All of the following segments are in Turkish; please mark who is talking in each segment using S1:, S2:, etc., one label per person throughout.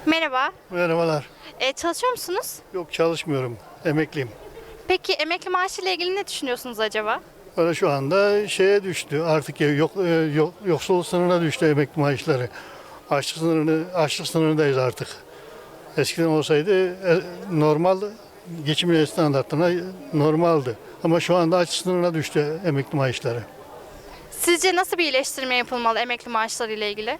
S1: Merhaba.
S2: Merhabalar.
S1: Çalışıyor musunuz?
S2: Yok çalışmıyorum. Emekliyim.
S1: Peki emekli maaşı ile ilgili ne düşünüyorsunuz acaba?
S2: Böyle şu anda şeye düştü. Artık yoksulluk sınırına düştü emekli maaşları. Açlık sınırındayız artık. Eskiden olsaydı normal geçim standartlarına normaldi. Ama şu anda açlık sınırına düştü emekli maaşları.
S1: Sizce nasıl bir iyileştirme yapılmalı emekli maaşları ile ilgili?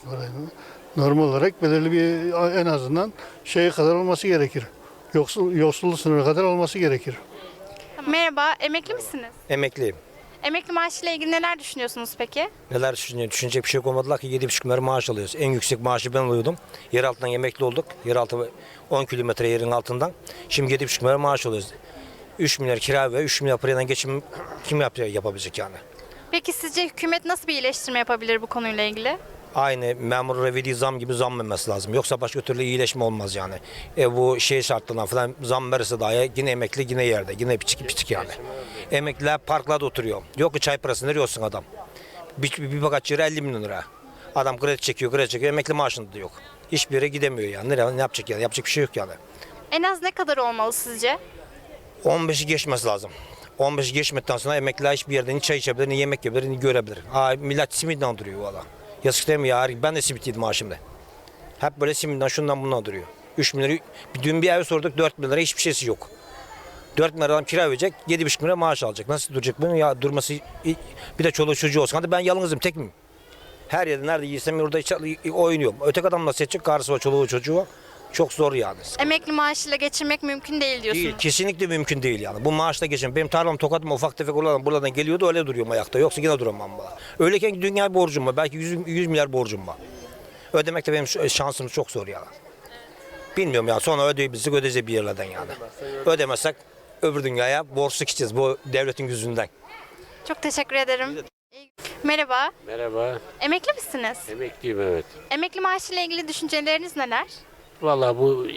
S2: Normal olarak belirli bir en azından şeye kadar olması gerekir. Yoksulluk sınırı kadar olması gerekir.
S1: Merhaba, emekli misiniz?
S3: Emekliyim.
S1: Emekli maaşı ile ilgili neler düşünüyorsunuz peki?
S3: Neler düşünüyor? Düşünecek bir şey olmadılar ki 7,5 milyar maaş alıyoruz. En yüksek maaşı ben alıyordum. Yer altından emekli olduk. Yeraltı 10 kilometre yerin altından. Şimdi 7,5 milyar maaş alıyoruz. 3 milyar kira ve 3 milyar parayla geçim kim yapabilecek yani?
S1: Peki sizce hükümet nasıl bir iyileştirme yapabilir bu konuyla ilgili?
S3: Aynı memur verdiği zam gibi zam vermesi lazım. Yoksa başka türlü iyileşme olmaz yani. Bu şey şartlarına falan zam verirse dahi yine emekli yine yerde. Yine piçik yani. Emekliler parklarda oturuyor. Yok ki çay parasını veriyorsun adam. Bir bakaç yere 50 milyon lira. Adam kredi çekiyor. Emekli maaşında da yok. Hiçbir yere gidemiyor yani. Ne yapacak yani? Yapacak bir şey yok yani.
S1: En az ne kadar olmalı sizce?
S3: 15'i geçmesi lazım. 15'i geçmedikten sonra emekliler hiçbir yerden ni çay içebilir, ni yemek yiyebilir, ni görebilir. Millet simitten duruyor valla. Yazık değil mi ya? Ben de simit yedim maaşımda. Hep böyle simitten şundan bundan duruyor. 3 bin lira, dün bir ev sorduk 4 bin lira hiçbir şeysi yok. 4 bin lira adam kira verecek, 7,5 bin lira maaş alacak. Nasıl duracak bunun ya durması, bir de çoluğu çocuğu olsun. Hadi ben yalnızım, tek miyim? Her yerde nerede yiysem orada oynuyorum. Öteki adam nasıl edecek? Karısı var, çoluğu çocuğu var. Çok zor yani.
S1: Emekli maaşıyla geçinmek mümkün değil diyorsunuz.
S3: Değil, kesinlikle mümkün değil yani. Bu maaşla geçin. Benim tarlam Tokat'ım ufak tefek buradan geliyordu öyle duruyorum ayakta. Yoksa yine duramam bana. Öyleyken dünya borcum var. Belki 100 milyar borcum var. Ödemek de benim şansım çok zor yani. Bilmiyorum ya sonra ödeyeceğiz bir yerlerden yani. Ödemezsek öbür dünyaya borçlu gideceğiz bu devletin yüzünden.
S1: Çok teşekkür ederim. Merhaba.
S4: Merhaba,
S1: Emekli misiniz?
S4: emekliyim evet.
S1: Emekli maaşı ile ilgili düşünceleriniz neler?
S4: Vallahi bu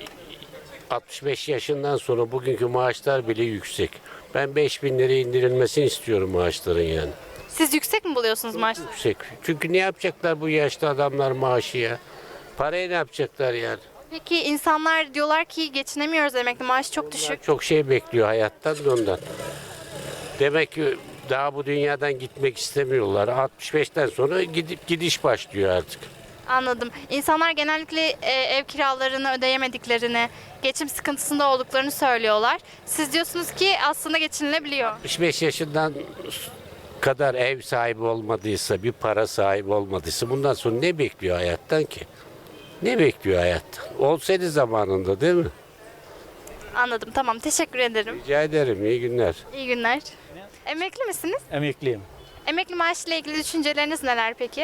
S4: 65 yaşından sonra bugünkü maaşlar bile yüksek. Ben 5.000 liraya indirilmesini istiyorum maaşların yani.
S1: Siz yüksek mi buluyorsunuz maaşları?
S4: Yüksek. Çünkü ne yapacaklar bu yaşlı adamlar maaşı ya? Parayı ne yapacaklar yani?
S1: Peki insanlar diyorlar ki geçinemiyoruz emekli maaşı çok düşük.
S4: Çok şey bekliyor hayattan da ondan. Demek ki daha bu dünyadan gitmek istemiyorlar. 65'ten sonra gidiş başlıyor artık.
S1: Anladım. İnsanlar genellikle ev kiralarını ödeyemediklerini, geçim sıkıntısında olduklarını söylüyorlar. Siz diyorsunuz ki aslında geçinilebiliyor.
S4: 65 yaşından kadar ev sahibi olmadıysa, bir para sahibi olmadıysa bundan sonra ne bekliyor hayattan ki? Ne bekliyor hayattan? Olsaydı zamanında değil mi?
S1: Anladım. Tamam. Teşekkür ederim.
S4: Rica ederim. İyi günler.
S1: İyi günler. Emekli misiniz?
S5: Emekliyim.
S1: Emekli maaşıyla ilgili düşünceleriniz neler peki?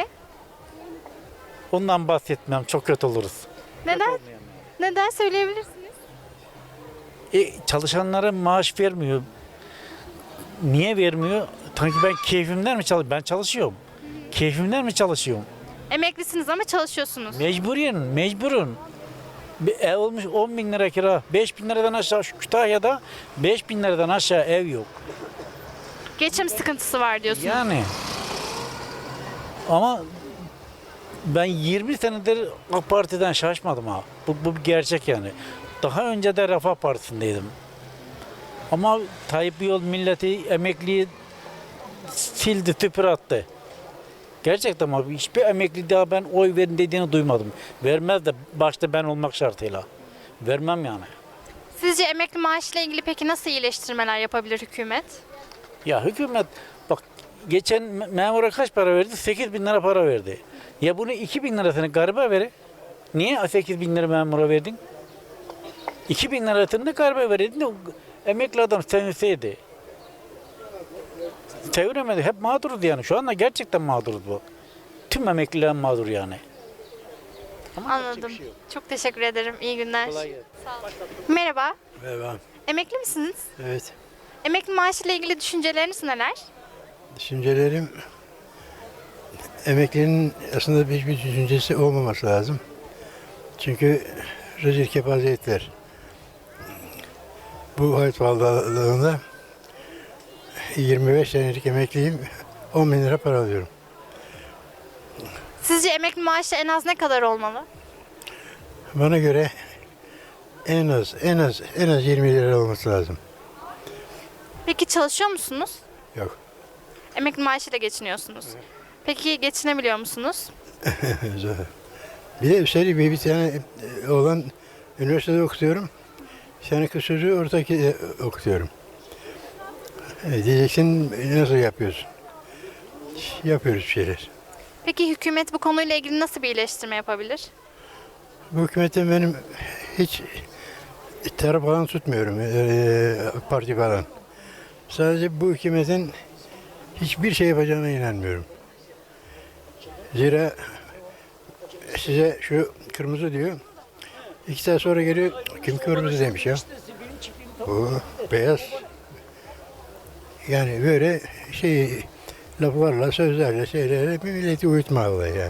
S5: Ondan bahsetmem çok kötü oluruz.
S1: Neden? Neden söyleyebilirsiniz?
S5: Çalışanlara maaş vermiyor. Niye vermiyor? Sanki ben keyfimden mi çalışıyorum? Ben çalışıyorum. Keyfimden mi çalışıyorum?
S1: Emeklisiniz ama çalışıyorsunuz.
S5: Mecburun. Bir ev olmuş 10 bin lira kira. 5 bin liradan aşağı şu Kütahya'da 5 bin liradan aşağı ev yok.
S1: Geçim sıkıntısı var diyorsunuz.
S5: Yani ama ben 20 senedir AK Parti'den şaşmadım ha. Bu bir gerçek yani. Daha önce de Refah Partisi'ndeydim. Ama Tayyip Yol milleti emekliyi sildi, tüpür attı. Gerçekten ama hiçbir emekli daha ben oy verin dediğini duymadım. Vermez de başta ben olmak şartıyla. Vermem yani.
S1: Sizce emekli maaşıyla ilgili peki nasıl iyileştirmeler yapabilir hükümet?
S5: Ya hükümet bak geçen memura kaç para verdi? 8 bin lira para verdi. Ya bunu 2 bin lirasını garibe verir. Niye 8 bin lira memura verdin? 2 bin lirasını da garibe verirdin de emekli adam sevinseydi. Seviremedi. Hep mağduruz yani. Şu anda gerçekten mağduruz bu. Tüm emekliler mağdur yani.
S1: Anladım. Çok teşekkür ederim. İyi günler. Sağ olun. Merhaba.
S6: Merhaba.
S1: Emekli misiniz?
S6: Evet.
S1: Emekli maaşıyla ilgili düşünceleriniz neler?
S6: Düşüncelerim emeklinin aslında hiçbir düşüncesi olmaması lazım. Çünkü rezil kepazelikler. Bu hayat pahalılığında 25 senelik emekliyim. 10 bin lira para alıyorum.
S1: Sizce emekli maaşı en az ne kadar olmalı?
S6: Bana göre en az 20 lira olması lazım.
S1: Peki çalışıyor musunuz?
S6: Yok.
S1: Emekli maaşıyla geçiniyorsunuz. Peki geçinebiliyor musunuz?
S6: Zor. Bir de üstelik bir tane oğlan üniversitede okutuyorum. Bir tane kız çocuğu ortaki okutuyorum. Diyeceksin nasıl yapıyorsun? Yapıyoruz bir şeyler.
S1: Peki hükümet bu konuyla ilgili nasıl bir iyileştirme yapabilir?
S6: Bu hükümetten benim hiç taraf falan tutmuyorum. Parti falan. Sadece bu hükümetin hiçbir şey yapacağına inanmıyorum. Zira size şu kırmızı diyor. 2 saat sonra geliyor. Kim kırmızı demiş ya? O beyaz. Yani böyle laflarla, sözlerle, şeylerle milleti uyutmalı yani.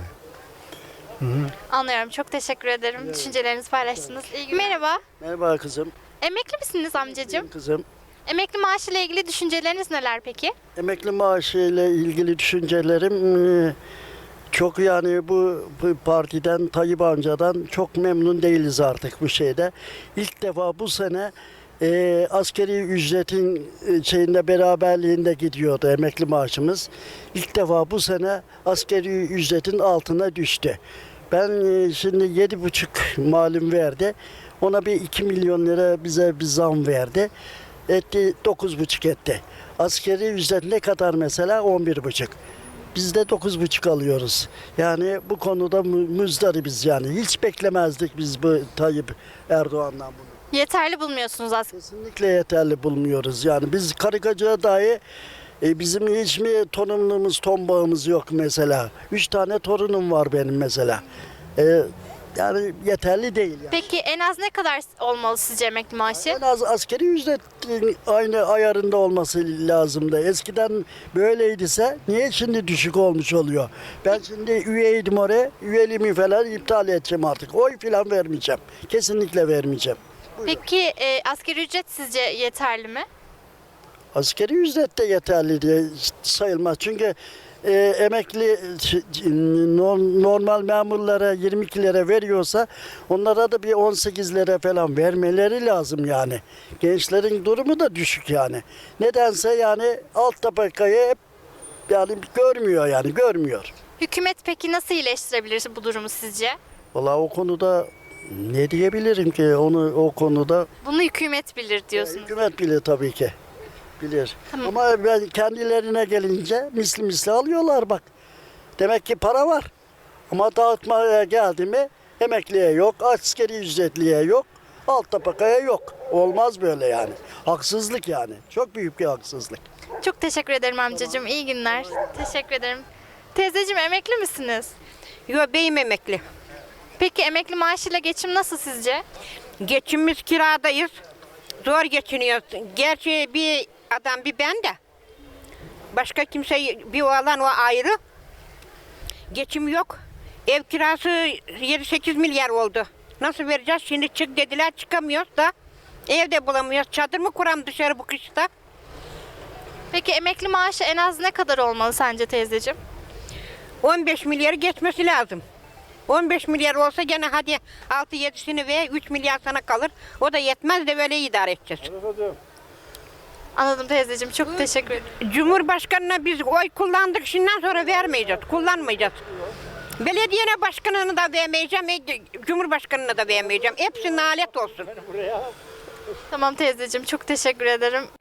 S1: Anlıyorum. Çok teşekkür ederim. Düşüncelerinizi paylaştınız. İyi günler. Merhaba.
S7: Merhaba kızım.
S1: Emekli misiniz amcacığım?
S7: Kızım.
S1: Emekli maaşıyla ilgili düşünceleriniz neler peki?
S7: Emekli maaşı ile ilgili düşüncelerim çok, yani bu partiden, Tayyip amcadan çok memnun değiliz artık bu şeyde. İlk defa bu sene askeri ücretin şeyinde beraberliğinde gidiyordu emekli maaşımız. İlk defa bu sene askeri ücretin altına düştü. Ben şimdi 7,5 malum verdi. Ona bir 2 milyon lira bize bir zam verdi. Etti 9,5 etti. Askeri ücret ne kadar mesela? 11,5. Biz de 9,5 alıyoruz. Yani bu konuda muzdaribiz yani. Hiç beklemezdik biz bu Tayyip Erdoğan'dan bunu.
S1: Yeterli bulmuyorsunuz aslında.
S7: Kesinlikle yeterli bulmuyoruz. Yani biz karikacıya dahi bizim hiç mi torunluğumuz, tombağımız yok mesela. 3 tane torunum var benim mesela. Yani yeterli değil yani.
S1: Peki en az ne kadar olmalı sizce emekli maaşı?
S7: En az askeri ücret aynı ayarında olması lazımdı. Eskiden böyleydiyse niye şimdi düşük olmuş oluyor? Ben şimdi üyeydim oraya, üyeliğimi falan iptal edeceğim artık. Oy falan vermeyeceğim. Kesinlikle vermeyeceğim.
S1: Peki asgari ücret sizce yeterli mi?
S7: Askeri ücret de yeterli diye sayılmaz. Çünkü emekli normal memurlara 22 lira veriyorsa onlara da bir 18 lira falan vermeleri lazım yani. Gençlerin durumu da düşük yani. Nedense yani alt tabakayı hep yani görmüyor.
S1: Hükümet peki nasıl iyileştirebilir bu durumu sizce?
S7: Vallahi o konuda ne diyebilirim ki o konuda
S1: Bunu hükümet bilir diyorsunuz.
S7: hükümet bilir tabii ki. Bilir.
S1: Tamam.
S7: Ama ben kendilerine gelince misli alıyorlar bak. Demek ki para var. Ama dağıtmaya geldi mi emekliye yok, askeri ücretliye yok, alt tabakaya yok. Olmaz böyle yani. Haksızlık yani. Çok büyük bir haksızlık.
S1: Çok teşekkür ederim amcacığım. İyi günler. Teşekkür ederim. Teyzeciğim emekli misiniz?
S8: Yok beyim emekli.
S1: Peki emekli maaşıyla geçim nasıl sizce?
S8: Geçimimiz kiradayız. Zor geçiniyoruz. Gerçi bir adam bir ben de. Başka kimse bir oğlan o ayrı. Geçim yok. Ev kirası 7-8 milyar oldu. Nasıl vereceğiz? Şimdi çık dediler çıkamıyoruz da. Evde bulamıyoruz. Çadır mı kuram dışarı bu kışta?
S1: Peki emekli maaşı en az ne kadar olmalı sence teyzeciğim?
S8: 15 milyarı geçmesi lazım. 15 milyar olsa gene hadi 6-7'sini ve 3 milyar sana kalır. O da yetmez de böyle idare edeceğiz.
S1: Anladım teyzeciğim. Çok teşekkür ederim.
S8: Cumhurbaşkanına biz oy kullandık, şimdiden sonra vermeyeceğiz, kullanmayacağız. Belediye başkanını da vermeyeceğim, Cumhurbaşkanına da vermeyeceğim. Hepsi nalet olsun.
S1: Tamam teyzeciğim. Çok teşekkür ederim.